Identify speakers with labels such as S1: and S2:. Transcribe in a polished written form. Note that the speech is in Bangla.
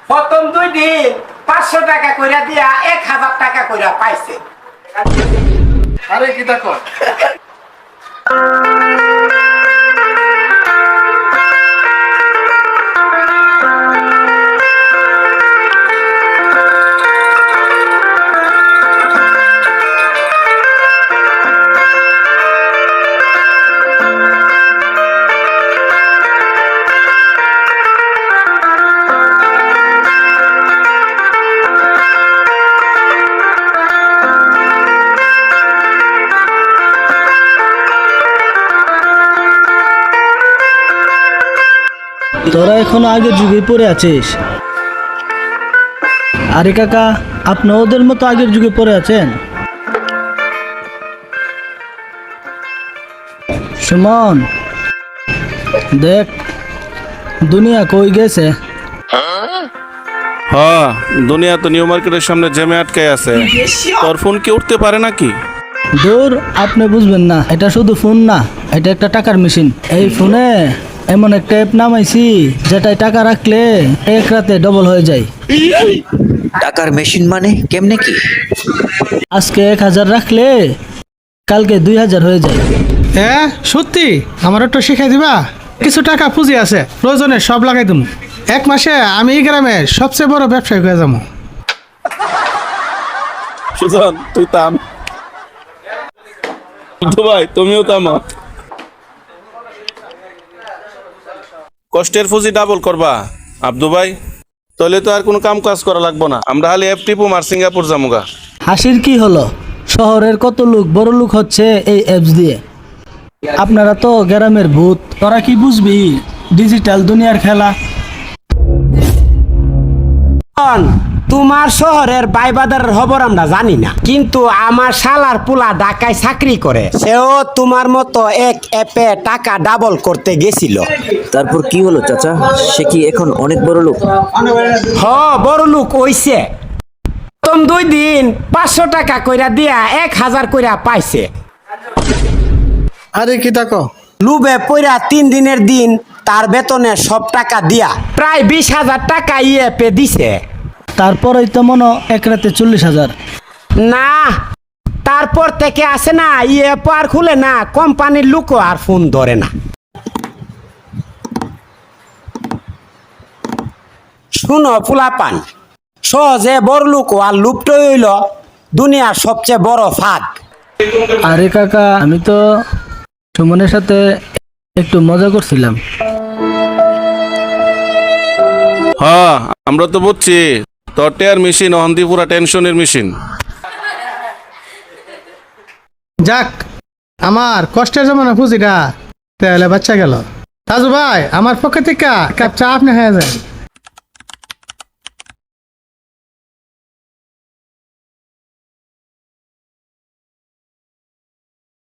S1: প্রথম 2 দিন 500 টাকা কইরা দিয়া 1000 টাকা কইরা পাইছে।
S2: আরে কি দেখো
S3: তোরা এখনো আগের যুগে পড়ে আছিস। আরে কাকা, আপনি ওদের মতো আগের যুগে পড়ে আছেন। সুমন, দেখ দুনিয়া কই গেছে।
S4: হ্যাঁ, দুনিয়া তো নিউ মার্কেটের সামনে জ্যামে আটকে আছে। তোর ফোন কি উঠতে পারে নাকি?
S3: দূর, আপনি বুঝবেন না, এটা শুধু ফোন না, এটা একটা টাকার মেশিন। এই ফোনে এমন একটা অ্যাপ নামাইছি যেটায় টাকা রাখলে এক রাতে ডবল হয়ে যায়।
S5: টাকার মেশিন মানে কেমনে কি?
S3: আজকে 1000 রাখলে কালকে 2000 হয়ে যায়।
S6: হ্যাঁ সত্যি, আমার একটু শিখাই দিবা? কিছু টাকা পুঁজি আছে, প্রয়োজনে সব লাগাই দেবো। 1 মাসে আমি এই গ্রামের সবচেয়ে বড় ব্যবসায়ী হয়ে যাবো।
S4: সুজন, তুই থাম। ভাই তুমিও থামো। কষ্টের পুঁজি ডাবল করবা আব্দু ভাই, তাহলে তো আর কোনো কাম কাজ করা লাগবো না। আমরা খালি এফ টিপুম আর সিঙ্গাপুর জামুগা।
S3: হাসির কি হলো? শহরের কত লোক বড় লোক হচ্ছে এই অ্যাপস দিয়ে। আপনারা তো গ্রামের ভূত, তোরা কি বুঝবি ডিজিটাল দুনিয়ার খেলা।
S1: তোমার শহরের বাইবাদারের খবর আমরা জানি না, কিন্তু আমার শালার পোলা ঢাকায় চাকরি করে, সেও তোমার মতো এক অ্যাপে টাকা ডাবল করতে গেছিল।
S5: তারপর কি হলো চাচা? সে কি এখন অনেক বড় লোক?
S1: বড় লোক হইছে। প্রথম 2 দিন 500 টাকা কইরা দিয়া 1000 কইরা পাইছে।
S6: আরে কি দেখো
S1: লুবে পইরা 3 দিনের দিন তার বেতনে সব টাকা দিয়া প্রায় 20,000 টাকা ইএপে দিছে।
S3: তারপরেই তো মনে এক রাতে 40,000।
S1: না, তারপর থেকে আসে না, ইএপ আর খুলে না, কোম্পানির লোকও আর ফোন ধরে না। শুনো ফুলাপান, সহজে বড় লোক আর লুপ্ত হইল দুনিয়ার সবচেয়ে বড় ফাঁদ।
S3: আরে কাকা, আমি তো সুমনের সাথে একটু মজা করছিলাম।
S4: হ্যাঁ, আমরা তো বুঝছি তোর টেয়ার মেশিন অহন্দি পুরা টেনশনের মেশিন।
S6: যাক, আমার কষ্টের জমানো পুঁজিটা তাহলে বাচ্চা গেল। রাজু ভাই, আমার পক্ষে থেকে কাপ চা আপনি হয়ে যায়।